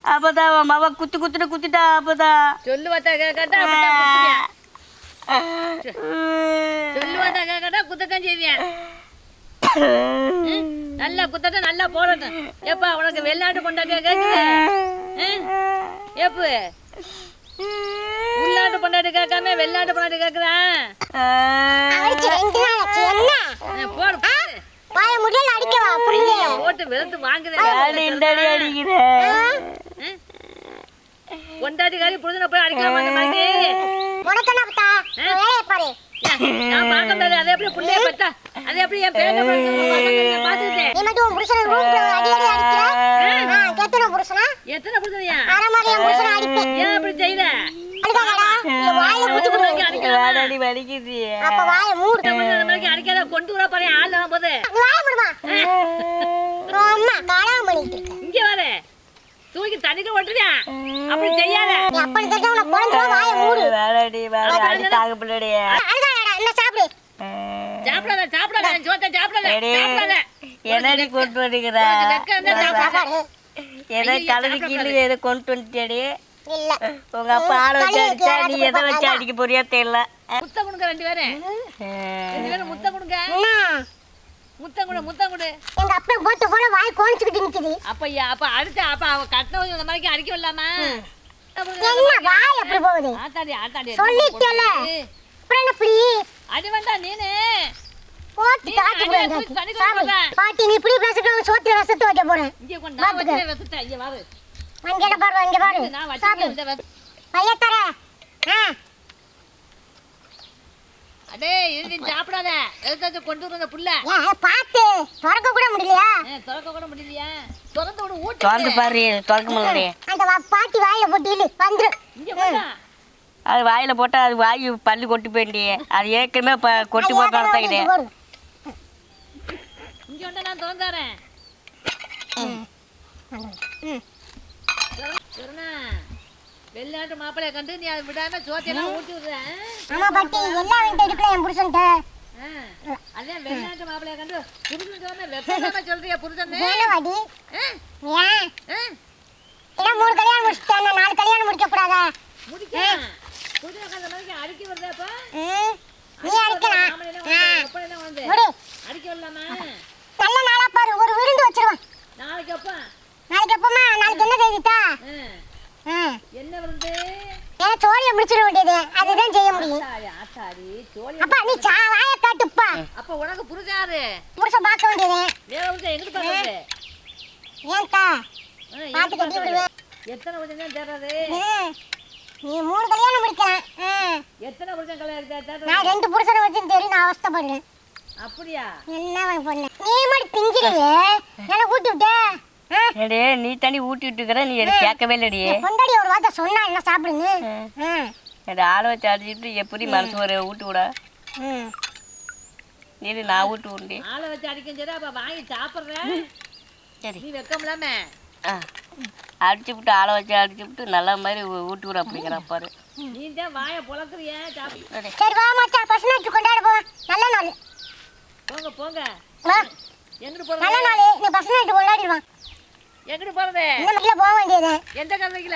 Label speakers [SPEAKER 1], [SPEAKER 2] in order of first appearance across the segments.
[SPEAKER 1] அப்பதான் மவ குத்துட்டா அப்பதான்
[SPEAKER 2] சொல்லுவாத்தா கேட்டா சொல்லுவாத்தா கேட்டா குத்தத்தான் செய்வேன். நல்லா குத்தட்ட நல்லா போடட்டும். ஏப்பா உனக்கு வெளிநாட்டு பொண்டாட்டியா கேக்குது? ஏப்பு உள்நாட்டு பொண்டாட்டி கேட்காம வெளிநாட்டு பொண்டாட்டி கேக்குறான். போடு போட்டு வெளுத்து வாங்குறேன். பொண்டாட்டிக்காரி புரிஞ்சு போய் அடிக்கலாமா? நான் பார்க்க முடியாது. அதை எப்படி புள்ளைய பெத்தா அதை எப்படி என் பேர பாத்துக்கிட்டேன். எத்தனை புருஷனையா ஏன் அப்படி செய்யல? அடிக்காத கொண்டு வர பாரு ஆள் போது இங்க வர தூக்கி தண்ணிக்கு ஓட்டுறியா? அப்படி செய்யாத.
[SPEAKER 1] என்னடி கொண்டு வருகிற எதை கலந்து கீழே எதை கொண்டு வந்துட்டேடி? உங்க அப்பா ஆளை வச்சு அடிச்சா நீ எதை வச்சு அடிக்க போறியா தெரியல.
[SPEAKER 2] முத்தம் கொடுங்க ரெண்டு பேரும் முத்தம் கொடுங்க. முத்தம் கொடு.
[SPEAKER 3] எங்க அப்பா போட்டு போல வாய் கோணிச்சிட்டு நிக்குது.
[SPEAKER 2] அப்பையா அப்ப அடுத்த அப்ப அவ கட்டணும் இந்த மாதிரி அடிக்க விடலாமா?
[SPEAKER 3] என்ன வாய் எப்படி போகுது?
[SPEAKER 2] ஆத்தாடி
[SPEAKER 3] சொல்லிட்டேல. அப்புறம் என்ன இப்படி
[SPEAKER 2] அடி வேண்டாம் நீனே
[SPEAKER 3] போட்டு காட்டி போறேன். பாட்டி நீ இப்படி பேசிட்டு சோத்துல ரசத்தை வைக்க போறேன்.
[SPEAKER 2] இங்க கொண்டு நான் வச்சே ரசத்தை இங்க வாரு.
[SPEAKER 3] அங்கட பாரு இங்க பாரு.
[SPEAKER 2] நான் வச்சே இந்த
[SPEAKER 3] பைய தர.
[SPEAKER 2] அடே இது சாப்பிடாத. எதுக்கு கொண்டு வந்த புள்ள?
[SPEAKER 3] பாத்து திறக்க கூட முடியலையா?
[SPEAKER 2] திறக்க கூட முடியலையா? திறந்து விடு ஊட்டி.
[SPEAKER 1] திறந்து பாரு திறக்க முடியல.
[SPEAKER 3] அந்த பாட்டி வாயில போட்டு இழு வந்துரு.
[SPEAKER 2] இங்க போடா.
[SPEAKER 1] அது வாயில போட்டா அது வாய் பல்லு கொட்டி போயிண்டியே. அது ஏற்கனவே கொட்டி போட்டு நடத்தாக்கிட்டே.
[SPEAKER 2] இங்க வந்து நான் திறந்தாரேன். சொன்னா வெளிநாட்டு மாப்பிளைய கண்டு நீ அதை விடாம சோத்தையெல்லாம் ஊட்டி விடுறேன்.
[SPEAKER 3] ஆமா பாட்டி எல்லாம் வந்து எடுக்கல என் புருஷன்ட்ட.
[SPEAKER 2] அதான் வெளிநாட்டு மாப்பிளைய கண்டு புருஷன் சொன்ன வெப்பமா சொல்றியா புருஷன்?
[SPEAKER 3] வேணவாடி. ஏன்? என்ன மூணு கல்யாணம் முடிச்சிட்டானே 4 கல்யாணம் முடிக்க கூடாதா?
[SPEAKER 2] முடிக்க. புருஷன் அந்த மாதிரி அடிக்க வருதேப்பா?
[SPEAKER 3] நீ அடிக்கலாம்.
[SPEAKER 2] அப்ப என்ன வந்து? அடிக்க வரலாமா?
[SPEAKER 3] நல்ல நாளா பாரு ஒரு விருந்து வச்சிருவான்.
[SPEAKER 2] நாளைக்கு அப்பா.
[SPEAKER 3] நாளைக்கு அப்பமா நாளைக்கு என்ன செய்திட்டா?
[SPEAKER 2] என்ன விருந்து?
[SPEAKER 3] ஏன் சோழிய முடிச்சிட வேண்டியது. அதுதான் செய்ய முடியும்.
[SPEAKER 2] ஆத்தாடி சோழி.
[SPEAKER 3] அப்பா நீ வாயை காட்டுப்பா.
[SPEAKER 2] அப்ப உனக்கு புருஷன் யாரு?
[SPEAKER 3] புருஷன் பார்க்க வேண்டியது.
[SPEAKER 2] வேற புருஷன் எங்க பாக்குறது?
[SPEAKER 3] ஏன்டா? பாத்து கட்டி விடுவேன்.
[SPEAKER 2] எத்தனை புருஷன் தான் தேடுறது?
[SPEAKER 3] நீ 3 கல்யாணம் முடிக்கலாம்.
[SPEAKER 2] எத்தனை புருஷன் கல்யாணம் தேடுறது?
[SPEAKER 3] நான் 2 புருஷனை வச்சு தேடி நான் அவஸ்தைப்படுறேன்.
[SPEAKER 2] அப்படியா?
[SPEAKER 3] என்ன பண்ண? நீ மட்டும் திங்கிறியே. என்ன ஊட்டி விட்ட?
[SPEAKER 1] ஏடே நீ தண்ணி ஊட்டி விட்டுக்கிற நீ எனக்கு கேட்கவே இல்லடி.
[SPEAKER 3] பொண்டாடி ஒரு வார்த்தை சொன்னா என்ன சாப்பிடுங்க.
[SPEAKER 1] ஏடா ஆளை வச்சு அடிச்சுட்டு எப்படி மனசு ஒரு ஊட்டி விட? நீ நான் ஊட்டி விடுண்டி.
[SPEAKER 2] ஆளை வச்சு அடிக்கும் சரி அப்ப வாங்கி சாப்பிட்றேன். சரி நீ வெக்கம்லாம
[SPEAKER 1] அடிச்சு விட்டு ஆளை வச்சு அடிச்சு விட்டு நல்ல மாதிரி ஊட்டி விட அப்படிங்கிற பாரு.
[SPEAKER 2] நீ தான் வாயை பொழக்குறிய.
[SPEAKER 3] சரி வா மச்சான் பசங்க வச்சு கொண்டாட போ. நல்ல நாள்.
[SPEAKER 2] போங்க எங்கிட்டு போறது?
[SPEAKER 3] நல்ல நாள் நீ பசங்க வச்சு கொண்டாடிடுவான்.
[SPEAKER 2] எங்கிட்டு போறது?
[SPEAKER 3] இந்த மட்டில போக வேண்டியது.
[SPEAKER 2] எந்த கதைக்குல?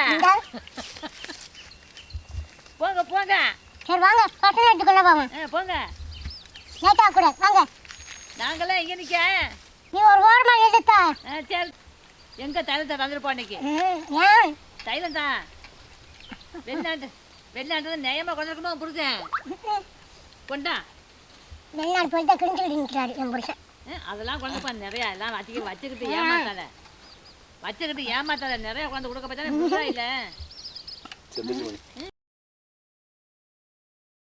[SPEAKER 2] போங்க.
[SPEAKER 3] சரி வாங்க பசங்க வச்சு கொண்டாட போவோம்.
[SPEAKER 2] போங்க.
[SPEAKER 3] லேட்டா கூட வாங்க.
[SPEAKER 2] நாங்களே இங்க நிக்க.
[SPEAKER 3] நீ ஒரு ஓரமா நிறுத்தா.
[SPEAKER 2] சரி எங்க தைலத்தை தந்துருப்போம் இன்னைக்கு?
[SPEAKER 3] ஏன்
[SPEAKER 2] தைலம் தான் வெளிநாட்டு நியாயமா கொண்டிருக்கமா புருஷன் கொண்டா.
[SPEAKER 3] வெளிநாடு போயிட்டு கிழிஞ்சுக்கிட்டு நிற்கிறாரு என் புருஷன்.
[SPEAKER 2] அதெல்லாம் கொண்டு நிறையா எல்லாம் வச்சுக்கிட்டு ஏமாத்தாத நிறைய கொண்டு கொடுக்க பார்த்தா இல்லை.